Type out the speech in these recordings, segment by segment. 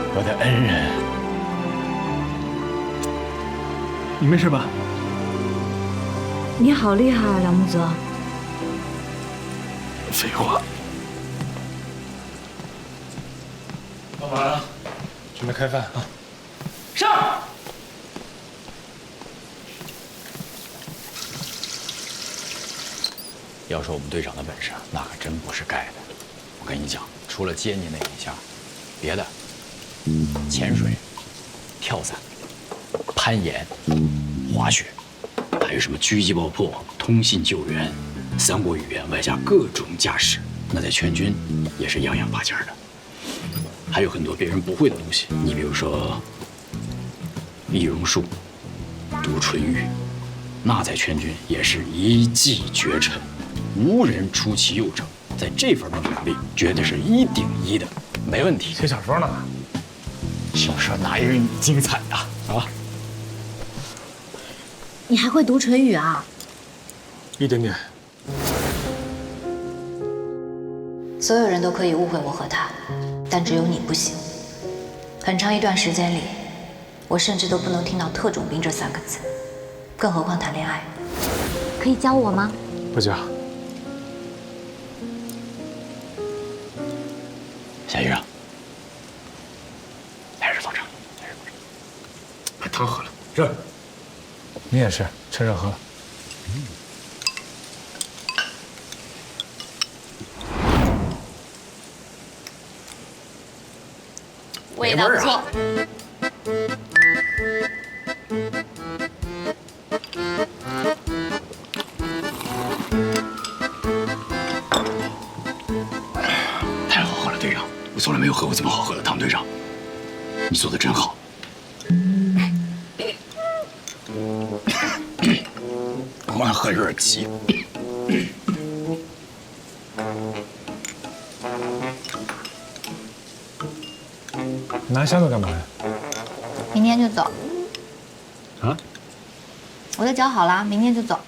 我的恩人， 你没事吧？ 你好厉害啊，梁木泽！ 废话。 老板，准备开饭啊！ 上。要说我们队长的本事，那可真不是盖的。我跟你讲，除了接你那一下，别的，潜水、跳伞、攀岩、滑雪，还有什么狙击爆破、通信救援、3国语言，外加各种驾驶，那在全军也是样样拔尖的。还有很多别人不会的东西，你比如说易容术、读唇语，那在全军也是一骑绝尘，无人出其右者。在这方面的能力，绝对是1顶1的，没问题。 写小说呢？ 小说哪有你精彩呀？啊！ 你还会读唇语啊？ 一点点。 所有人都可以误会我和他，但只有你不行。很长一段时间里，我甚至都不能听到特种兵这3个字，更何况谈恋爱。可以教我吗？ 不教。 夏医生，还是坐这儿， 把汤喝了，热。你也是，趁热喝。 味道不错。 太好喝了，队长！我从来没有喝过这么好喝的汤，队长，你做的真好。我喝有点急。 拿箱子干嘛呀？ 明天就走。 啊？ 我都搅好了，明天就走。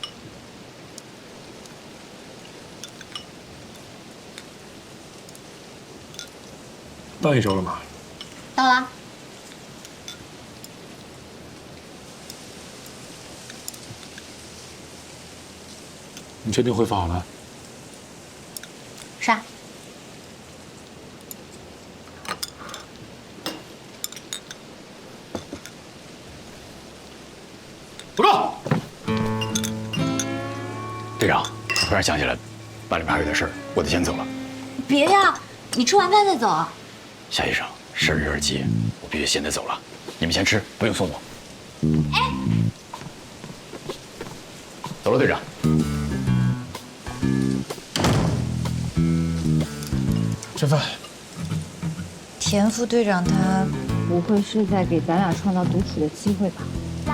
到1周了吗？ 到了。 你确定恢复好了？ 是啊。 不够。队长，我突然想起来，班里面还有点事儿，我得先走了。 别呀，你吃完饭再走。 夏医生，事儿有点急，我必须现在走了。你们先吃，不用送我。 哎， 走了，队长。 吃饭。 田副队长他不会是在给咱俩创造独处的机会吧？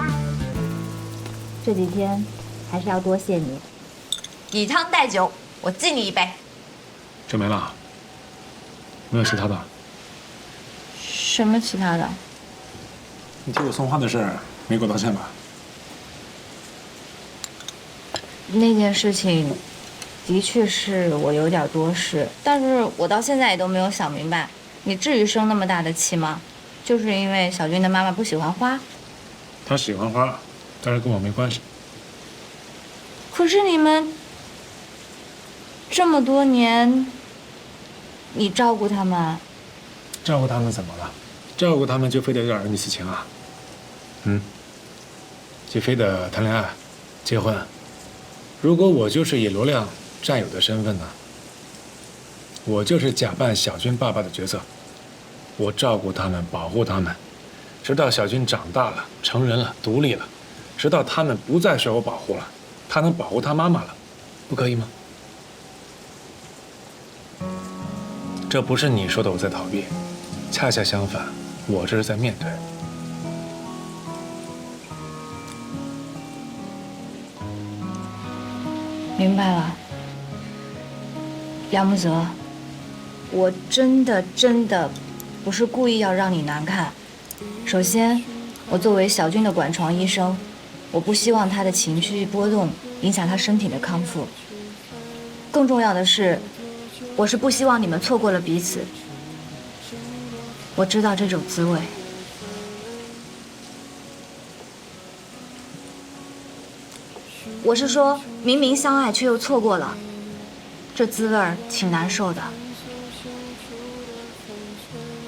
这几天还是要多谢你，以汤代酒，我敬你一杯。 就没了？没有其他的？ 什么其他的？ 你替我送花的事儿没给我道歉吧？ 那件事情的确是我有点多事，但是我到现在也都没有想明白，你至于生那么大的气吗？就是因为小军的妈妈不喜欢花？ 他喜欢花，但是跟我没关系。 可是你们这么多年，你照顾他们， 照顾他们怎么了？照顾他们就非得有点儿恩义情啊？就非得谈恋爱、结婚？如果我就是以流量战友的身份呢？我就是假扮小军爸爸的角色，我照顾他们，保护他们，直到小军长大了、成人了、独立了，直到他们不再受我保护了，他能保护他妈妈了，不可以吗？这不是你说的我在逃避，恰恰相反，我这是在面对。 明白了，梁木泽，我真的不是故意要让你难看。首先，我作为小军的管床医生，我不希望他的情绪波动影响他身体的康复。更重要的是，我是不希望你们错过了彼此。 我知道这种滋味。我是说，明明相爱却又错过了，这滋味儿挺难受的。